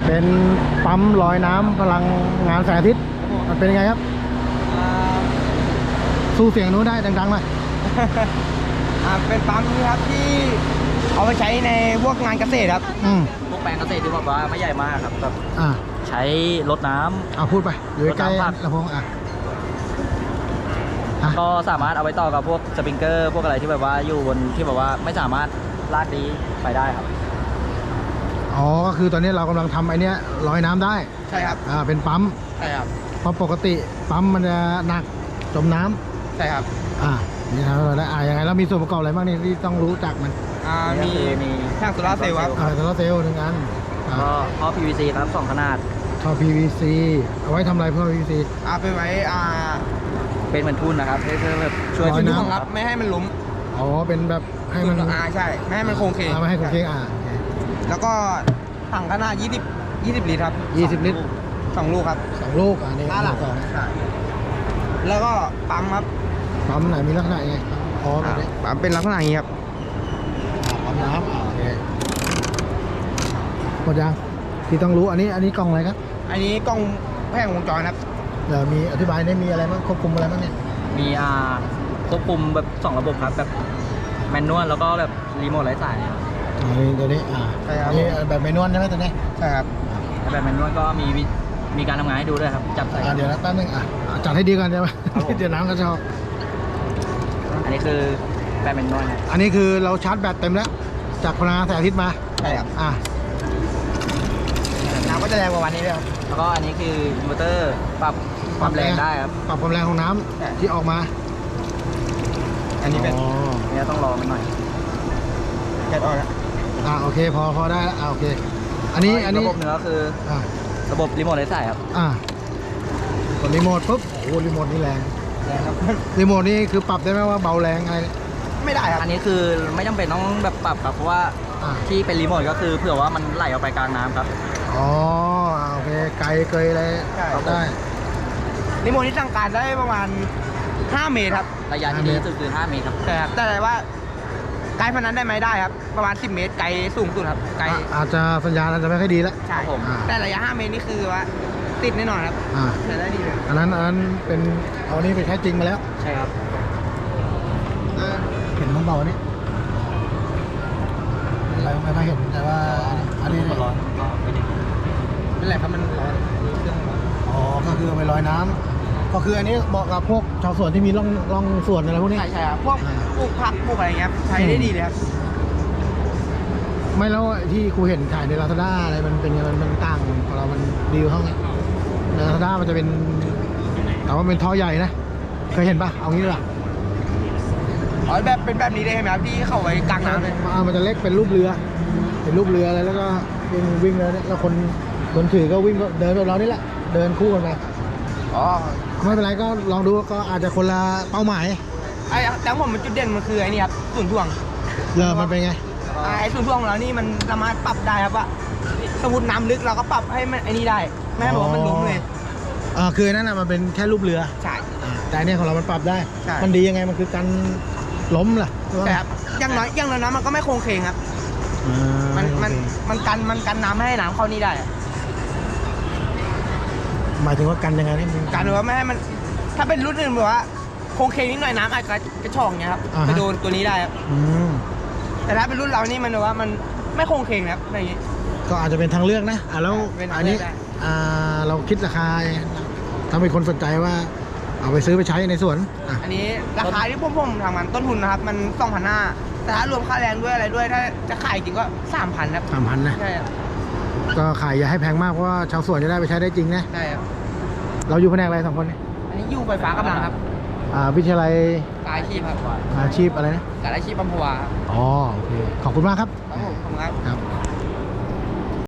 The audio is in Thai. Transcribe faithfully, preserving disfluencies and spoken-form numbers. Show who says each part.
Speaker 1: เป็นปั๊มลอยน้ำพลังงานแสงอาทิตย์มันเป็นยังไงครับสู้เสียงนู้นได้ดังๆหน่อย
Speaker 2: เป็นปั๊มนี่ครับที่เอาไปใช้ในพวกงานเกษตรครับ
Speaker 1: อืม
Speaker 3: พวกแปลงเกษตรที่บอกว่าไม่ใหญ่มากครับแบบ
Speaker 1: อ่า
Speaker 3: ใช้รดน้ำ
Speaker 1: เอาพูดไปอยู่ใกล้
Speaker 3: รถน้ำผัก
Speaker 1: ลำโพงอ่ะ
Speaker 3: ก็สามารถเอาไปต่อกับพวกสปริงเกอร์พวกอะไรที่แบบว่าอยู่บนที่แบบว่าไม่สามารถลากดีไปได้ครับ
Speaker 1: อ๋อก็คือตอนนี้เรากำลังทำไอเนี้ยลอยน้ำได้
Speaker 2: ใช่ครับ
Speaker 1: อ่าเป็นปั๊ม
Speaker 2: ใช่ครับ
Speaker 1: เพราะปกติปั๊มมันจะหนักจมน้ำ
Speaker 2: ใช่ครับ
Speaker 1: อ่านี่ทำให้เราได้อ่ายังไงแล้วมีส่วนประกอบอะไรบ้างนี่ที่ต้องรู้จักมัน
Speaker 2: อ่ามี
Speaker 3: มี
Speaker 2: แท่งโซลาร์เซลล์ครับ
Speaker 1: อ่าโซลาร์เซลล์หนึ่งอันอ่า
Speaker 3: ก็ท่อ พี วี ซี ครับสองขนาด
Speaker 1: ท่อ พี วี ซี เอาไว้ทำอะไรเพื่อ พี วี ซี
Speaker 2: เอาไปไว้อ่า
Speaker 3: เป็นเหมือนทุ่นนะครับเพื่อแบบช่วย
Speaker 1: ลอยน้ำ
Speaker 2: ช่วงครับไม่ให้มันล้ม
Speaker 1: อ๋อเป็นแบบให้มัน
Speaker 2: อ่าใช่ไม่ให้มันโค้งเคง
Speaker 1: อ่าไม่ให้โค้งเคงอ่าโอเค
Speaker 2: แล้วก็ถังขนาดยี่สิบ ยี่สิบลิตรครับ
Speaker 1: ยี่สิบลิตร
Speaker 2: สองลูกครับ
Speaker 1: สองลูกอ่านี่
Speaker 2: ห้าหลัง
Speaker 1: สอง
Speaker 2: ใช่แล้วก็ปั๊มครับ
Speaker 1: ปั๊มไหนมีลักษณะยังไงพอแบบนี้
Speaker 2: ปั๊มเป็นลักษณะอย่างนี้ครับ
Speaker 1: อ่าปั๊มน้ำอ่าโอเคหมดยังที่ต้องรู้อันนี้อันนี้กล่องอะไรครับ
Speaker 2: อันนี้กล้องแผงวงจรครับ
Speaker 1: เดี๋ยวมีอธิบายได้มีอะไรบ้างควบคุมอะไรบ้างเนี่ย
Speaker 3: มีอ่าควบคุมแบบสองระบบครับแบบแมนนวลแล้วก็แบบรีโมทไร้สายครับ
Speaker 1: อ่านี่ตัวนี้อ่า
Speaker 2: ใช่ครับ
Speaker 1: นี่แบบเมนวลใช่ไหมตัวนี้
Speaker 2: ใช่ครับ
Speaker 3: แล้วแบบแมนนวลก็มีวิมีการทำงานให้ดูด้วยครับจับใส่
Speaker 1: อ่าเดี๋ยวนะแป๊บนึงอ่ะจัดให้ดีก่อนใช่ไหม
Speaker 3: ครับผม
Speaker 1: เดี๋ยวน้ำก็จะออก
Speaker 3: อันนี้คือแบบแมนนวลครับ
Speaker 1: อันนี้คือเราชาร์จแบตเต็มแล้วจากพลังงานแสงอาทิตย์มา
Speaker 2: ใช่ครับ
Speaker 1: อ่า
Speaker 2: น้ำก็จะแรงกว่าวันนี้ด้วยครับ
Speaker 3: แล้วก็อันนี้คืออินเวอร์เตอร์ปรับความแรงได้ครับ
Speaker 1: ปรับความแรงของน้
Speaker 2: ใช่
Speaker 1: ำที่ออกมา
Speaker 2: อันนี้เป็น
Speaker 1: อ๋อ
Speaker 3: อันนี้ต้องรอมันหน่อย
Speaker 2: แก๊สออนครับ
Speaker 1: อ่าโอเคพอพอได้แล้วอ่าโอเค อันนี้อันนี้
Speaker 3: ระบบหนึ่งก็คือ
Speaker 1: อ่า
Speaker 3: ระบบรีโมทไร้สายครับ
Speaker 1: อ่ากดรีโมทปุ๊บโอ้โหรีโมทนี่แรง
Speaker 2: แรงครับ
Speaker 1: รีโมทนี่คือปรับได้ไหมว่าเบาแรงอะไร
Speaker 2: ไม่ได้ครับ
Speaker 3: อันนี้คือไม่จำเป็นต้องแบบปรับครับเพราะว่า
Speaker 1: อ่า
Speaker 3: ที่เป็นรีโมทก็คือเผื่อว่ามันไหลออกไปกลางน้ำครับ
Speaker 1: อ๋ออ่าโอเคไกลเกยอะไร
Speaker 2: ใช่
Speaker 1: ได้
Speaker 2: รีโมทที่สั่งการได้ประมาณห้าเมตรครับ
Speaker 3: ระยะที่ดีที่สุดคือห้าเมตรครับ
Speaker 2: ใช่ครับแต่ว่าไกลพนันได้ไหมได้ครับ ประมาณสิบเมตรไกลสูงสุดครับไกล
Speaker 1: อ่ะอาจจะสัญญาณอาจจะไม่ค่อยดีแล้ว
Speaker 2: ใช่
Speaker 3: ครับผม
Speaker 1: อ่า
Speaker 2: แต่ระยะห้าเมตรนี่คือว่าติดแน่นอนครับ
Speaker 1: อ่า
Speaker 2: ใช้ได้ดีเลย
Speaker 1: อันนั้นอันนั้นเป็นเอานี่ไปใช้จริงมาแล้ว
Speaker 3: ใช่ครับ
Speaker 2: อ่า
Speaker 1: เห็นมันเบาเนี่ยอะไรไม่ค่อยเห็นแต่ว่าอันนี้
Speaker 3: ร้อนก็ไม่ได้
Speaker 2: เป็นไรครับมันร้อนเครื่องร้อน
Speaker 1: อ๋อก็คือเอาไปลอยน้ำก็คืออันนี้เหมาะกับพวกชาวสวนที่มีร่องร่องสวนอะไรพวกนี้
Speaker 2: ใช่ใช่ครับพวก
Speaker 1: อ่า
Speaker 2: ปลูกผักปลูกอะไรเงี้ยครับใช้ได้ดีเลยครับ
Speaker 1: ไม่แล้วที่ครูเห็นขายในลาซาด้าอะไรมันเป็นยังไงมันมันต่างของเรามันดีกว่าเขาไงในลาซาด้ามันจะเป็นแต่ว่าเป็นท่อใหญ่นะเคยเห็นปะเอางี้ดีกว่า
Speaker 2: อ๋อแบบเป็นแบบนี้ได้ไหมครับที่เข้าไว้กลางน้ำเลย
Speaker 1: อ่ามันจะเล็กเป็นรูปเรือ เป็นรูปเรืออะไรแล้วก็วิ่งวิ่งแล้วเนี่ยแล้วคนคนถือก็วิ่งก็เดินแบบเรานี่แหละเดินคู่กันไป
Speaker 2: อ๋อ
Speaker 1: ไม่เป็นไรก็ลองดูก็อาจจะคนละเป้าหมาย
Speaker 2: ไอ้แต่ผมมันจุดเด่นมันคือไอ้นี่ครับศูนย์ถ่วง
Speaker 1: เรือมันเป็นไง
Speaker 2: อ่าไอ้ศูนย์ถ่วงของเรานี่มันสามารถปรับได้ครับว่าสมมติน้ำลึกเราก็ปรับให้มันไอ้นี่ได้ไม่ให้บอกว่ามันล้มเลย
Speaker 1: อ่าคือนั่นน่ะมันเป็นแค่รูปเรือ
Speaker 2: ใช่
Speaker 1: อ่าแต่อันเนี่ยของเรามันปรับได้
Speaker 2: ใช่
Speaker 1: มันดียังไงมันคือการล้มล่ะ
Speaker 2: แต่ครับอย่างน้อยอย่างน้อยน้ำมันก็ไม่โค้งเคงครับ
Speaker 1: อ่า
Speaker 2: มันมัน
Speaker 1: โอเค
Speaker 2: มันกันมันกันน้ำไม่ให้น้ำเข้านี่ได้อะ
Speaker 1: หมายถึงว่ากันยังไงนี่มัน
Speaker 2: กันว่าไม่ให้มันถ้าเป็นรุ่นอื่นแบบว่าโค้งเคงนิดหน่อยน้ำอาจจะกระชอกเงี้ยครับ
Speaker 1: อ่าฮะ
Speaker 2: ไปโดนตัวนี้ได้ครับ
Speaker 1: อืม
Speaker 2: แต่ถ้าเป็นรุ่นเรานี่มันแบบว่ามันไม่โค้งเคงครับอะไรอย่างงี้
Speaker 1: ก็อาจจะเป็นทางเลือกนะอ่าแล้ว
Speaker 2: เป็นทาง
Speaker 1: อันนี้
Speaker 2: เลือกได้
Speaker 1: อ่าเราคิดราคาถ้ามีคนสนใจว่า เอาไปซื้อไปใช้ในสวนอ่ะ
Speaker 2: อันนี้ราคาที่พวกผมทำมันต้นทุนนะครับมันสองพันห้าแต่ถ้ารวมค่าแรงด้วยอะไรด้วยถ้าจะขายจริงก็สามพันครับ
Speaker 1: สามพันนะ
Speaker 2: ใช่ครับ
Speaker 1: ก็ขายอย่าให้แพงมากเพราะว่าชาวสวนจะได้ไปใช้ได้จริงนะ
Speaker 2: ใช่ครับ
Speaker 1: เราอยู่แผนกอะไรสองคนเนี่ย
Speaker 2: อันนี้อยู่ไฟฟ้ากำลังครับ
Speaker 1: อ่าวิทยาลัย
Speaker 2: กายอาชีพครับ
Speaker 1: อาชีพอะไรนะ
Speaker 2: กายอาชีพอัมพวาครับ
Speaker 1: อ๋อโอเคขอบคุณมากครับ
Speaker 2: ครับผมขอบคุณครับ
Speaker 1: ครับ